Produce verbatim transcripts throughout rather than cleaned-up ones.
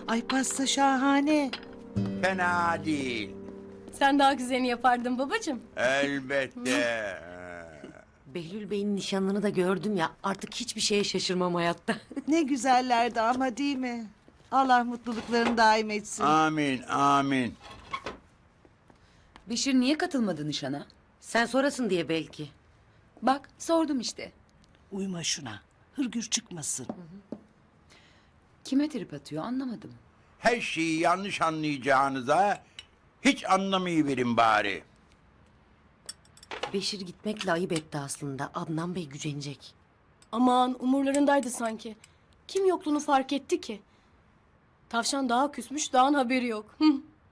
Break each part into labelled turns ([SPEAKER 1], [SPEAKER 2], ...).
[SPEAKER 1] Ay pasta şahane.
[SPEAKER 2] Fena değil.
[SPEAKER 3] Sen daha güzelini yapardın babacığım.
[SPEAKER 2] Elbette.
[SPEAKER 4] Behlül Bey'in nişanlını da gördüm ya. Artık hiçbir şeye şaşırmam hayatta.
[SPEAKER 1] Ne güzellerdi ama değil mi? Allah mutluluklarını daim etsin.
[SPEAKER 2] Amin, amin.
[SPEAKER 5] Beşir niye katılmadı nişana?
[SPEAKER 4] Sen sorasın diye belki.
[SPEAKER 5] Bak sordum işte.
[SPEAKER 1] Uyma şuna. Hırgür çıkmasın.
[SPEAKER 5] Kime trip atıyor anlamadım.
[SPEAKER 2] Her şeyi yanlış anlayacağınıza hiç anlamayıverin bari.
[SPEAKER 4] Beşir gitmekle ayıp etti aslında. Adnan Bey gücenecek.
[SPEAKER 3] Aman umurlarındaydı sanki. Kim yokluğunu fark etti ki? Tavşan daha küsmüş, dağın haberi yok. Hı.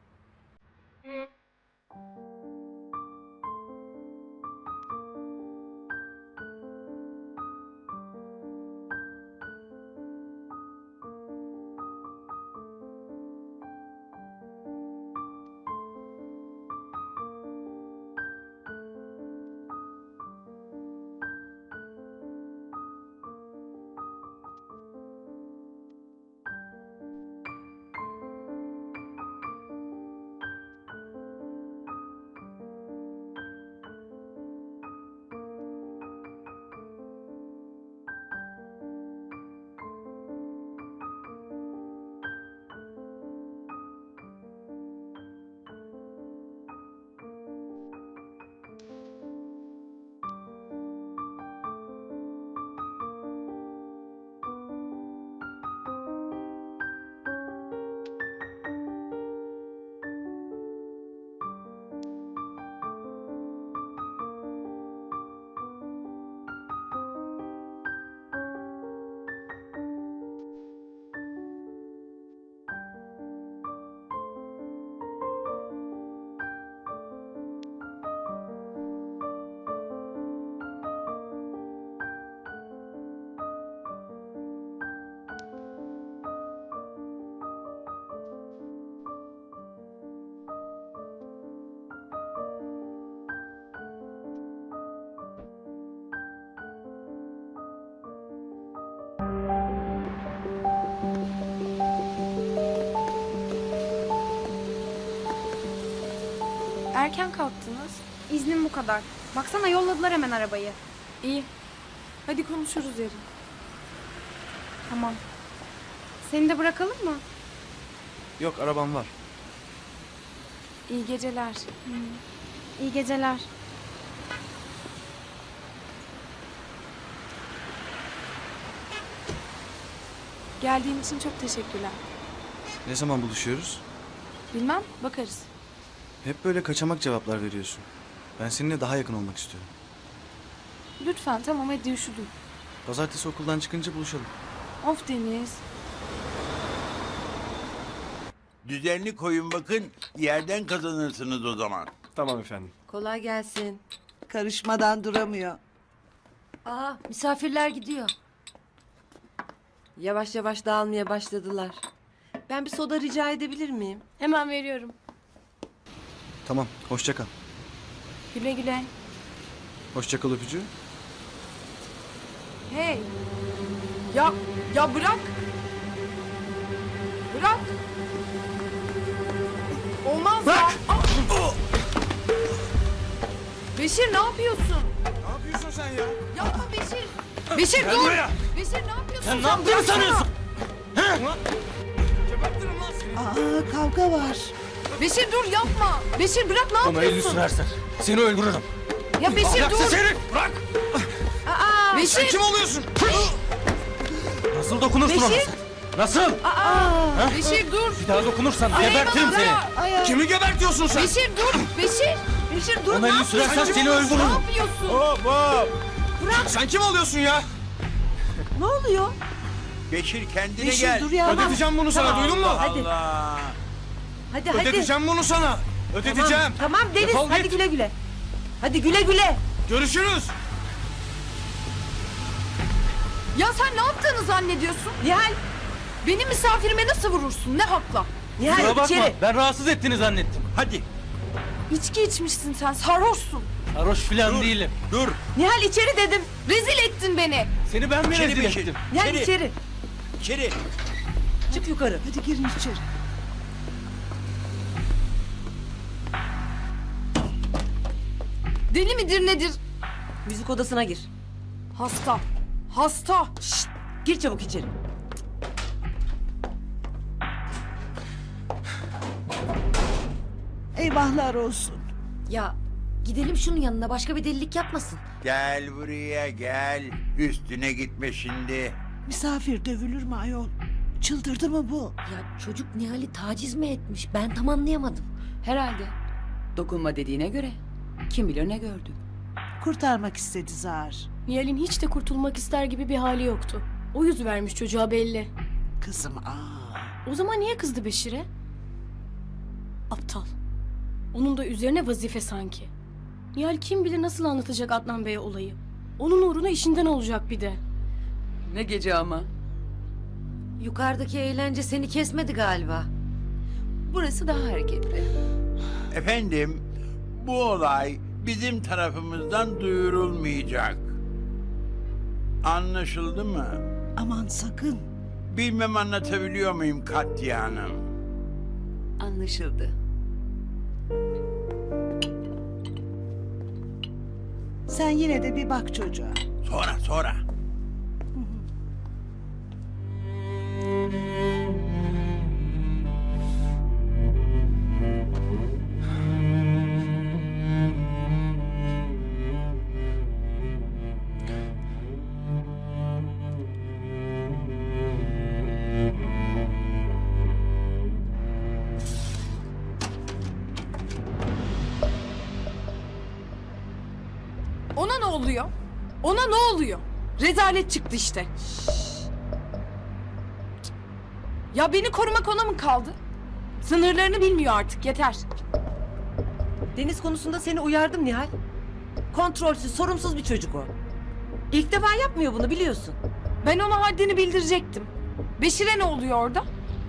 [SPEAKER 6] Erken kalktınız. İznim bu kadar. Baksana yolladılar hemen arabayı.
[SPEAKER 3] İyi. Hadi konuşuruz yarın.
[SPEAKER 6] Tamam. Seni de bırakalım mı?
[SPEAKER 7] Yok, arabam var.
[SPEAKER 6] İyi geceler. İyi geceler.
[SPEAKER 8] Geldiğin için çok teşekkürler.
[SPEAKER 7] Ne zaman buluşuyoruz?
[SPEAKER 8] Bilmem, bakarız.
[SPEAKER 7] Hep böyle kaçamak cevaplar veriyorsun. Ben seninle daha yakın olmak istiyorum.
[SPEAKER 8] Lütfen, tamam hadi üşüdüm.
[SPEAKER 7] Pazartesi okuldan çıkınca buluşalım.
[SPEAKER 8] Of Deniz.
[SPEAKER 2] Düzenli koyun bakın, yerden kazanırsınız o zaman.
[SPEAKER 7] Tamam efendim.
[SPEAKER 4] Kolay gelsin.
[SPEAKER 1] Karışmadan duramıyor.
[SPEAKER 4] Aa, misafirler gidiyor. Yavaş yavaş dağılmaya başladılar. Ben bir soda rica edebilir miyim?
[SPEAKER 3] Hemen veriyorum.
[SPEAKER 7] Tamam, hoşça kal.
[SPEAKER 8] Güle güle.
[SPEAKER 7] Hoşça kal öpücüğü.
[SPEAKER 8] Hey. Ya, ya bırak. Bırak. Olmaz ya. Aa! Beşir ne yapıyorsun?
[SPEAKER 7] Ne yapıyorsun sen ya?
[SPEAKER 8] Yapma Beşir. Beşir dur.
[SPEAKER 7] buraya.
[SPEAKER 8] Beşir ne yapıyorsun?
[SPEAKER 7] Sen ne yaptığını sanıyorsun?
[SPEAKER 1] Aa kavga var.
[SPEAKER 8] Beşir dur yapma. Beşir bırak ne
[SPEAKER 7] Ona elini
[SPEAKER 8] yapıyorsun?
[SPEAKER 7] sürersen seni öldürürüm.
[SPEAKER 8] Ya Beşir dur.
[SPEAKER 7] Ahlaksız herif, bırak! Sen
[SPEAKER 8] Beşir.
[SPEAKER 7] kim oluyorsun? Nasıl dokunursun ona?
[SPEAKER 8] Beşir.
[SPEAKER 7] sen? Nasıl?
[SPEAKER 8] Beşir dur.
[SPEAKER 7] Bir daha dokunursan
[SPEAKER 8] Ay,
[SPEAKER 7] gebertirim
[SPEAKER 8] bana
[SPEAKER 7] seni.
[SPEAKER 8] bırak.
[SPEAKER 1] Ay, ay.
[SPEAKER 7] Kimi gebertiyorsun sen?
[SPEAKER 8] Beşir dur. Beşir. Beşir dur.
[SPEAKER 7] Ona
[SPEAKER 8] ne
[SPEAKER 7] elini
[SPEAKER 8] yapıyorsun?
[SPEAKER 7] sürersen seni
[SPEAKER 8] Ne
[SPEAKER 7] öldürürüm.
[SPEAKER 8] yapıyorsun?
[SPEAKER 7] Hop hop! Sen kim oluyorsun ya?
[SPEAKER 1] Ne oluyor?
[SPEAKER 2] Beşir kendine
[SPEAKER 1] Beşir
[SPEAKER 2] gel.
[SPEAKER 1] dur ya.
[SPEAKER 7] Ödeteceğim bunu sana, duydun mu?
[SPEAKER 2] Allah Allah.
[SPEAKER 4] Hadi hadi.
[SPEAKER 7] Ödeteceğim bunu sana. Ödeteceğim.
[SPEAKER 4] Tamam Deniz,
[SPEAKER 7] Defol
[SPEAKER 4] hadi
[SPEAKER 7] git.
[SPEAKER 4] güle güle. Hadi güle güle.
[SPEAKER 7] Görüşürüz.
[SPEAKER 8] Ya sen ne yaptığını zannediyorsun?
[SPEAKER 4] Nihal,
[SPEAKER 8] Benim misafirime nasıl vurursun? Ne hakla?
[SPEAKER 4] Nihal
[SPEAKER 7] Kusura bakma,
[SPEAKER 4] içeri.
[SPEAKER 7] ben rahatsız ettiğini zannettim.
[SPEAKER 2] Hadi
[SPEAKER 8] İçki içmişsin sen. Sarhoşsun.
[SPEAKER 7] Sarhoş falan
[SPEAKER 2] dur.
[SPEAKER 7] değilim.
[SPEAKER 2] Dur.
[SPEAKER 4] Nihal içeri dedim.
[SPEAKER 8] Rezil ettin beni.
[SPEAKER 7] Seni ben mi
[SPEAKER 2] İçeri
[SPEAKER 7] rezil
[SPEAKER 2] Beşir.
[SPEAKER 7] ettim?
[SPEAKER 4] Nihal
[SPEAKER 2] İçeri.
[SPEAKER 4] içeri.
[SPEAKER 2] İçeri.
[SPEAKER 9] Çık yukarı.
[SPEAKER 1] Hadi girin içeri.
[SPEAKER 8] Deli midir nedir?
[SPEAKER 9] Müzik odasına gir.
[SPEAKER 8] Hasta. Hasta.
[SPEAKER 9] Şşt, gir çabuk içeri.
[SPEAKER 1] Eyvahlar olsun.
[SPEAKER 4] Ya gidelim şunun yanına, başka bir delilik yapmasın.
[SPEAKER 2] Gel buraya gel. Üstüne gitme şimdi.
[SPEAKER 1] Misafir dövülür mü ayol? Çıldırdı mı bu?
[SPEAKER 4] Ya çocuk Nihal'i taciz mi etmiş? Ben tam anlayamadım.
[SPEAKER 5] Herhalde. Dokunma dediğine göre. Kim bilir ne gördü.
[SPEAKER 1] Kurtarmak istedi Zahar.
[SPEAKER 3] Nihal'in hiç de kurtulmak ister gibi bir hali yoktu. O yüz vermiş çocuğa belli.
[SPEAKER 1] Kızım aa.
[SPEAKER 3] O zaman niye kızdı Beşir'e? Aptal. Onun da üzerine vazife sanki. Nihal kim bilir nasıl anlatacak Adnan Bey'e olayı. Onun uğruna işinden olacak bir de.
[SPEAKER 5] Ne gece ama.
[SPEAKER 4] Yukarıdaki eğlence seni kesmedi galiba.
[SPEAKER 5] Burası daha hareketli.
[SPEAKER 2] Efendim, bu olay bizim tarafımızdan duyurulmayacak. Anlaşıldı mı?
[SPEAKER 1] Aman sakın.
[SPEAKER 2] Bilmem anlatabiliyor muyum Katya Hanım?
[SPEAKER 5] Anlaşıldı.
[SPEAKER 1] Sen yine de bir bak çocuğa.
[SPEAKER 2] Sonra sonra.
[SPEAKER 8] Ona ne oluyor? Ona ne oluyor? Rezalet çıktı işte. Ya beni korumak ona mı kaldı? Sınırlarını bilmiyor artık, yeter.
[SPEAKER 9] Deniz konusunda seni uyardım Nihal. Kontrolsüz, sorumsuz bir çocuk o. İlk defa yapmıyor bunu, biliyorsun.
[SPEAKER 8] Ben ona haddini bildirecektim. Beşir'e ne oluyor orada?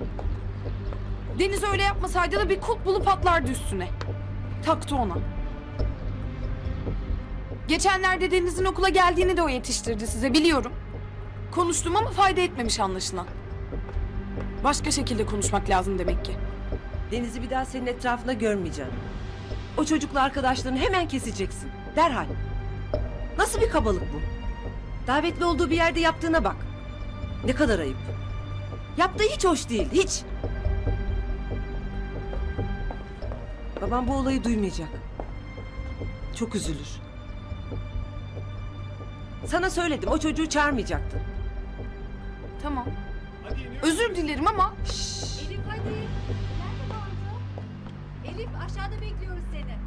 [SPEAKER 8] Deniz öyle yapmasaydı da bir kulp bulup atlardı üstüne. Taktı ona. Geçenlerde Deniz'in okula geldiğini de o yetiştirdi size, biliyorum. Konuştum ama fayda etmemiş anlaşılan. Başka şekilde konuşmak lazım demek ki.
[SPEAKER 9] Deniz'i bir daha senin etrafında görmeyeceğim. O çocukla arkadaşlarını hemen keseceksin. Derhal. Nasıl bir kabalık bu? Davetli olduğu bir yerde yaptığına bak. Ne kadar ayıp. Yaptığı hiç hoş değil, hiç. Babam bu olayı duymayacak. Çok üzülür. Sana söyledim, o çocuğu çağırmayacaktın.
[SPEAKER 8] Tamam. Özür dilerim ama...
[SPEAKER 10] Elif hadi. Nerede kaldı? Elif aşağıda bekliyoruz seni.